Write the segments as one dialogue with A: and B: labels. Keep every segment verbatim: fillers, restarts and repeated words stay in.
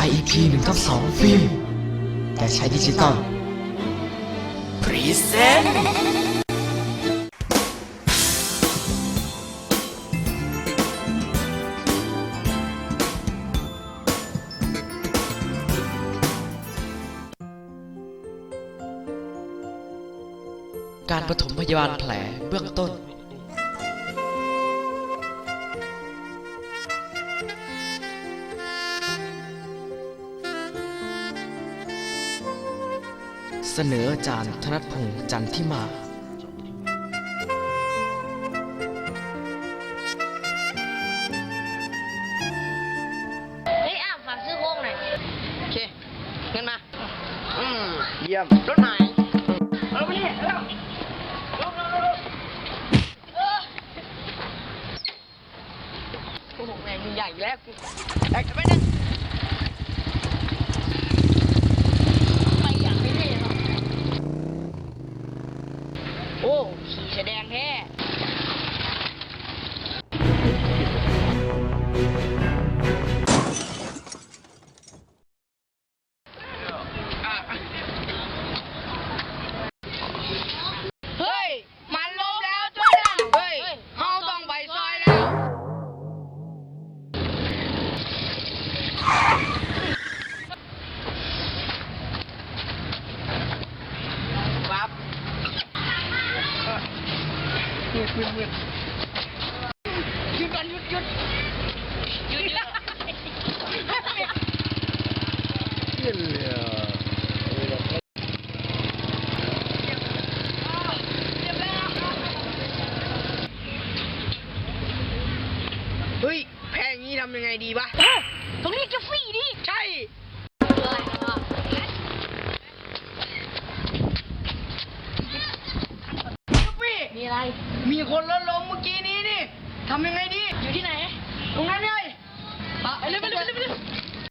A: ไอ อี พี หนึ่งทับสองฟิล์มแต่ใช้ดิจิตอลพรีเซนต์การปฐมพยาบาลแผลเบื้องต้นเสนออาจารย์ธนพงษ์จันทิมา
B: เฮ้ยอ้าวฝากซื้อโค้งหน่อยโอเคเงินมาอืม
C: เยี่ยม
B: รถไหนเอาไปนี่เร็วลงลงลงเออโอ้โหแม่งใหญ่แล้วไอ้ไปนั่งไปอย่างนี้เลยเหรอโอ้ขี่แสดงแท้เฮ้ยมันล้มแล้วจ้วยนะเฮ้ยเขาต้องไปซอยแล้วปั๊บหยุดหยุดหยุดหยุดก่อนหยุดหยุดหยุดหยุด
C: เยี่ยมเลยอ่ะ
B: เฮ้ยแพ้อย่างนี้ทำยังไงดีวะตรงนี้จะฟรีดิใช่มีอะไรมีคนล้มลงเมื่อกี้นี้นี่ทำยังไงดีอยู่ที่ไหนตรงนั้นเลยไปเลยไปเลยไปเลยไปเลย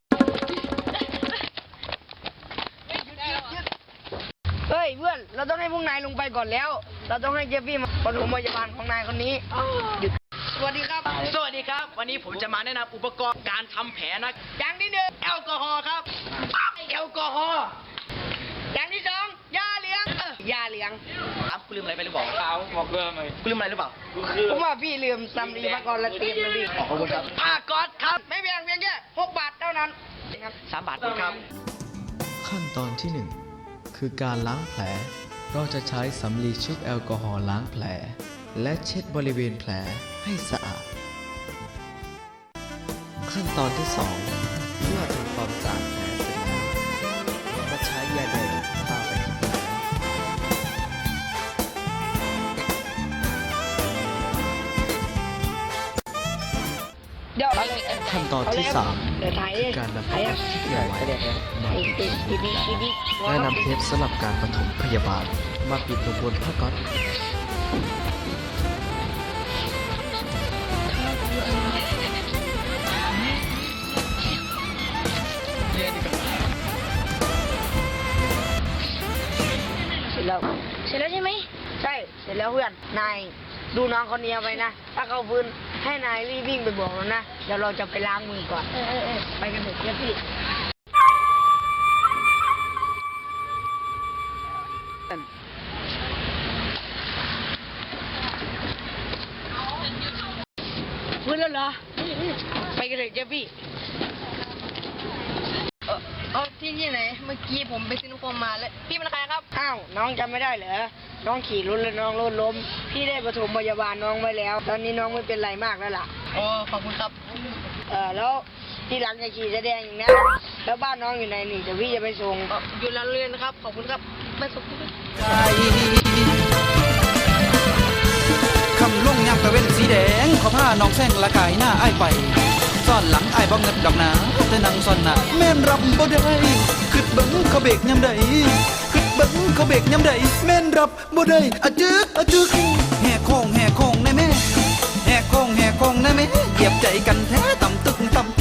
B: เฮ้ยเพื่อนเราต้องให้พวกนายลงไปก่อนแล้วเราต้องให้เจฟฟี่มาปฐมพยาบาลของนายคนนี้หยุดสวัสดีครับ
D: สวัสดีครับวันนี้ผมจะมาแนะนำอุปกรณ์การทำแผลนะ
B: อย่างที่หนึ่งแอลกอฮอล์ครับแอลกอฮอล์อย่างที่สองยาเหลืองเออยาเหลือง
D: ครับคุณลืมอะไรไปหรือเปล่าครับบอกเรื่องไหมคุณลืมอะไรหรือเปล่า
B: ผมว่าพี่ลืมซัมรีมาก่อนละเตรียมเลยพี่
D: ขอบคุณครับ
B: ผ้าก๊อซครับไม่แพงเพียงแค่หกบาทเท่านั้นครับ
D: สามบาทครับ
A: ขั้นตอนที่หนึ่งคือการล้างแผลเราจะใช้สำลีชุบแอลกอฮอล์ล้างแผลและเช็ดบริเวณแผลให้สะอาดขั้นตอนที่สองเมื่อทำความสะอาดแผลเสร็จแล้วก็ใช้ยาแดงทาไปที่แผล
B: เดี๋ยว
A: ขั้นตอนที่สาม
B: เดี๋ยวถ่าย
A: คือการนำผ้าที่ใหญ่ไว้มา
B: ไอ้
A: ปิด
B: ติดดีดีดี
A: และนำเทปสำหรับการปฐมพยาบาลมาปิดลงบนผ้าก๊อซ
B: เสร็จแล้วเสร็จแล้วใช่ไหมใช่เสร็จแล้วเพื่อนนายดูน้องคนนี้เอาไปนะถ้าเขาฟื้นให้นายรีบวิ่งไปบอกแล้วนะเดี๋ยวเราจะไปล้างมือก่อนเออเออเออไปกันเถอะเจ้าพี่ฟื้นแล้วเหรอไปกันเถอะเจ้าพี่เออเอาที่ที่ไหนเมื่อกี้ผมไปซื้อน้ำโฟมมาแล้วพี่เป็นใครครับอ้าวน้องจำไม่ได้เหรอน้องขี่รถแล้วน้องรถล้มพี่ได้ปฐมพยาบาลน้องไว้แล้ว ตอนนี้น้องไม่เป็นไรมากแล้วล่ะโอ้ขอบคุณครับเออแล้วที่หลังจะขี่แสดงอย่างนี้แล้วบ้านน้องอยู่ไหนนี่เดี๋ยวพี่จะไปส่งอยู่ร้านเรือนนะครับขอบคุณครับไม่ส่ง
E: คำลงยามตะเว้นสีแดงขอผ้าน้องแซงละกายหน้าอ้ายไปซ่อนหลังอ้ายบ่เงินดอกหนาแต่นั่งซ่อนหน้าแม่นรับบ่ได้คิดเบิ่งเขาเบรกยามใดคิดเบิ่งเขาเบรกยามใดแม่นรับบ่ได้อะจึกอะจึกแห่โค้งแห่โค้งได้แม่แห่โค้งแห่โค้งได้แม่เหยียบใจกันแท้ต่ำตึกต่ำ